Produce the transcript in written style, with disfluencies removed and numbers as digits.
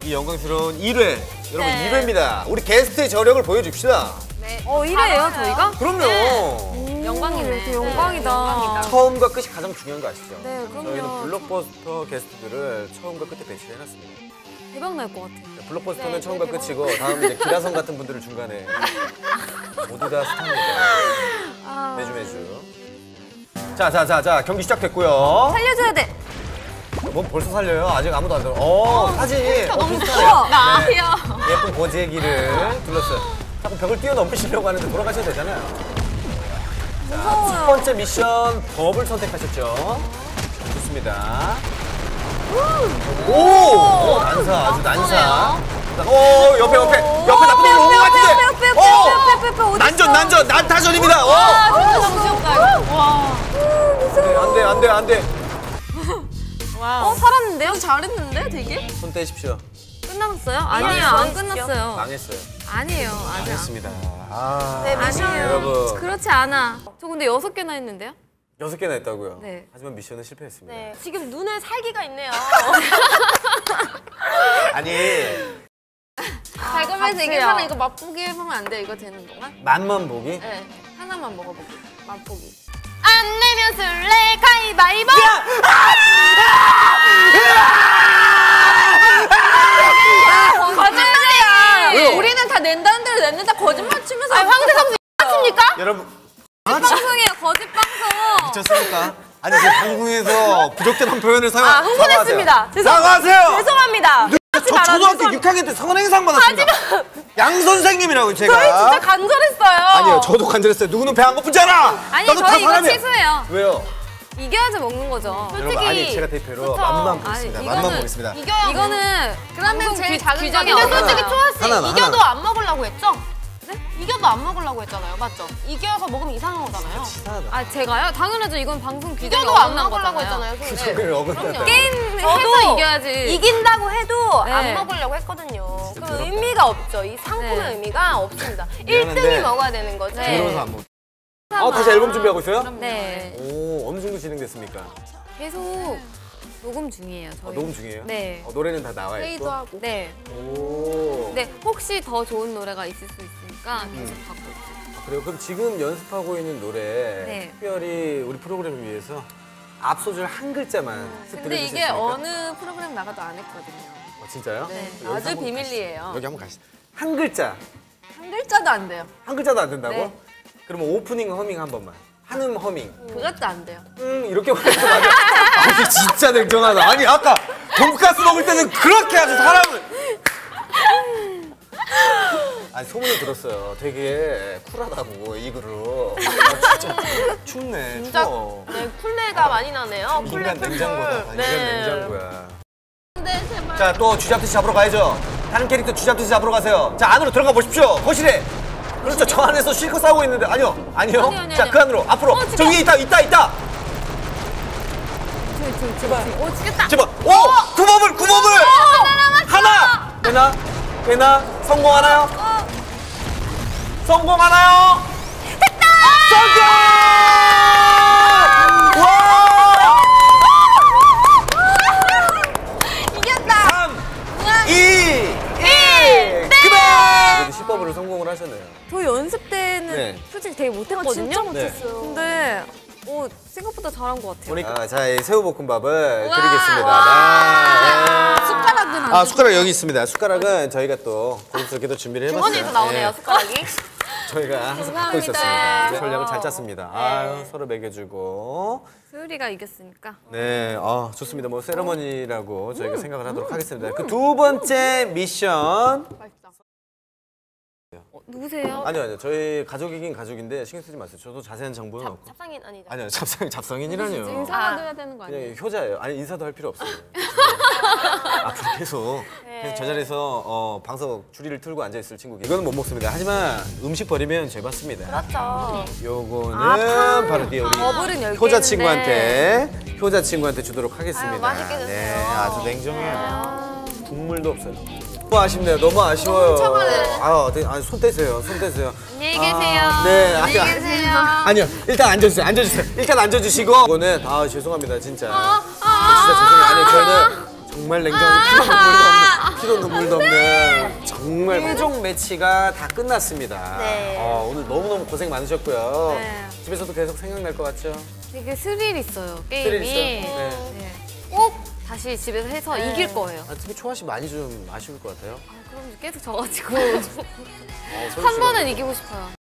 이 영광스러운 1회. 여러분 1회입니다. 우리 게스트의 저력을 보여줍시다. 네. 1회예요 저희가? 그럼요. 네. 영광이네. 되게 영광이다. 영광이다. 처음과 끝이 가장 중요한 거 아시죠? 네, 그럼요. 저희는 블록버스터 게스트들을 처음과 끝에 배치해놨습니다. 대박 날 것 같아요. 블록버스터는 네, 처음과 끝이고 다음 이제 기라성 같은 분들을 중간에 모두 다 스타입니다. 매주. 자, 경기 시작됐고요. 살려줘야 돼. 뭐 벌써 살려요? 아직 아무도 안 들어. 사진이 너무 비슷하네요. 커. 나요. 예쁜 고재기를 둘렀어요. 자꾸 벽을 뛰어넘으시려고 하는데 돌아가셔도 되잖아요. 자, 첫 번째 미션 법을 선택하셨죠. 좋습니다. 오! 난사, 아주 난사. 옆에 나쁜 놈이 오는 것 같은데. 옆에 난전, 난타전입니다. 너무 귀엽다. 와. 안 돼. 살았는데요? 잘했는데 되게? 손 떼십시오. 끝났어요? 아니에요, 안 끝났어요. 망했어요. 아니에요, 아직 망했습니다. 네, 아니에요. 여러분. 그렇지 않아. 저 근데 6개나 했는데요? 6개나 했다고요? 네. 하지만 미션은 실패했습니다. 네, 지금 눈에 살기가 있네요. 아니, 달콤해서 이게 사람 이거 맛보기 해보면 안 돼? 이거 되는 동안? 맛만 보기? 네, 하나만 먹어보기. 맛보기. 안 내면 술래 가위바위보! 거짓말이야! 우리는 다 낸다는 대로 냈는데 거짓말 치면서 황대성수 맞습니까? 여러분. 방송이에요, 거짓 방송! 미쳤습니까? 아니, 제 방송에서 부적절한 표현을 흥분했습니다. 사과하세요! 죄송합니다. 저 초등학교 6학년 때 선행상 받았습니다. 양 선생님이라고 제가. 저희 진짜 간절했어요. 아니요, 저도 간절했어요. 누구는 배 안 고프잖아. 아니, 나도 다 저희 이거 사람이야. 취소해요. 왜요? 이겨야지 먹는 거죠. 여러분, 아니 제가 대표로 맛만 보겠습니다. 아니, 맛만 이거는- 보겠습니다. 이거는 그러면 제일 작은 규정이 근데 없어요. 솔직히 초아 씨 하나만, 이겨도 하나. 안 먹으려고 했죠? 네? 이겨도 안 먹으려고 했잖아요, 맞죠? 이겨서 먹으면 이상한 거잖아요. 치사하다. 제가요? 당연하죠. 이건 방송 규정이 이겨도 안 어긋난 먹으려고 거잖아요. 했잖아요. 규정을 어긋났다. 게임 저도 해서 이겨야지. 이긴다고 해도 네. 안 먹으려고 했거든요. 진짜 그 더럽다. 의미가 없죠. 이 상품의 네. 의미가 없습니다. 미안한데 1등이 먹어야 되는 거지. 네. 들어서 안 먹. 다시 앨범 준비하고 있어요? 네. 오, 어느 정도 진행됐습니까? 계속 녹음 중이에요. 저희. 녹음 중이에요? 네. 노래는 다 나와 있고. 회의도 하고. 네. 오. 네. 혹시 더 좋은 노래가 있을 수 있으니까 계속 갖고 있어요. 그래요? 그럼 지금 연습하고 있는 노래 네. 특별히 우리 프로그램을 위해서 앞소절 한 글자만 쓱 근데 들려주실 수 이게 있습니까? 어느 프로그램 나가도 안 했거든요. 진짜요? 네. 여기서 아주 한번 비밀리에요. 가시죠. 여기 한번 가시죠. 한 글자. 한 글자도 안 돼요. 한 글자도 안 된다고? 네. 그러면 오프닝 허밍 한 번만. 한음 허밍. 그것도 안 돼요. 이렇게 말해서 맞아. 아니 진짜 냉정하다. 아니 아까 돈가스 먹을 때는 그렇게 아주 사람을. 아니 소문을 들었어요. 되게 쿨하다고 이 그룹. 진짜 춥네. 진짜 추워. 네, 쿨레가 많이 나네요. 쿨레 인간 쿨쿨. 냉장고다. 인간 네. 냉장고야. 네, 제발. 자 또 쥐잡듯이 잡으러 가야죠. 다른 캐릭터 쥐잡듯이 잡으러 가세요. 자 안으로 들어가 보십시오. 거실에. 그렇죠. 저 안에서 실컷 싸우고 있는데 아니요. 아니요. 자 그 안으로 앞으로. 저 위에 있다. 제발. 오, 죽겠다. 제발. 오! 구멍을! 하나! 되나? 성공하나요? 성공하나요? 됐다! 성공! 와! 이겼다. 3, 2, 1! 그만! 그래도 시법으로 성공을 하셨네요. 저 연습 때는 네. 솔직히 되게 못했거든요. 진짜 못했어요. 근데 생각보다 잘한 것 같아요. 자, 이 새우볶음밥을 우와. 드리겠습니다. 숟가락은 안 숟가락 여기 있습니다. 숟가락은 저희가 또 고급스럽게도 준비를 해봤어요. 주머니에서 나오네요, 예. 숟가락이. 저희가 항상 갖고 있었습니다. 전략을 잘 짰습니다. 아유, 서로 먹여주고. 소율이가 이겼으니까. 네, 좋습니다. 뭐 세레머니라고 저희가 생각을 하도록 하겠습니다. 그 두 번째 미션. 누구세요? 아니요. 저희 가족이긴 가족인데 신경 쓰지 마세요. 저도 자세한 정보는 없고. 잡상인 아니죠? 아니요, 잡상인이라니요. 인사도 해야 되는 거 아니에요? 그냥 효자예요. 아니 인사도 할 필요 없어요. 앞으로 계속 저 자리에서 방석 줄이를 틀고 앉아 있을 친구. 이거는 못 먹습니다. 하지만 음식 버리면 죄 받습니다. 그렇죠. 요거는 바로 뒤에 우리 버블은 10개 효자 있는데. 친구한테 주도록 하겠습니다. 아유, 맛있게 드세요. 네, 아주 냉정해요. 국물도 없어요. 너무 아쉽네요. 너무 아쉬워요. 손 떼세요. 안녕히 계세요. 네, 안녕히 계세요. 아니요, 일단 앉아주세요. 일단 앉아주시고. 이거는 죄송합니다, 진짜. 진짜 죄송해요. 아니 정말 냉정한 피도 눈물도 없는 정말 최종 매치가 다 끝났습니다. 네. 오늘 너무너무 고생 많으셨고요. 네. 집에서도 계속 생각날 것 같죠? 되게 스릴 있어요, 스릴 게임이. 있어요? 네. 네. 꼭 다시 집에서 해서 네. 이길 거예요. 특히 초아 씨 많이 좀 아쉬울 것 같아요. 그럼 계속 져가지고 서울 한 씨가 번은 이기고 싶어요.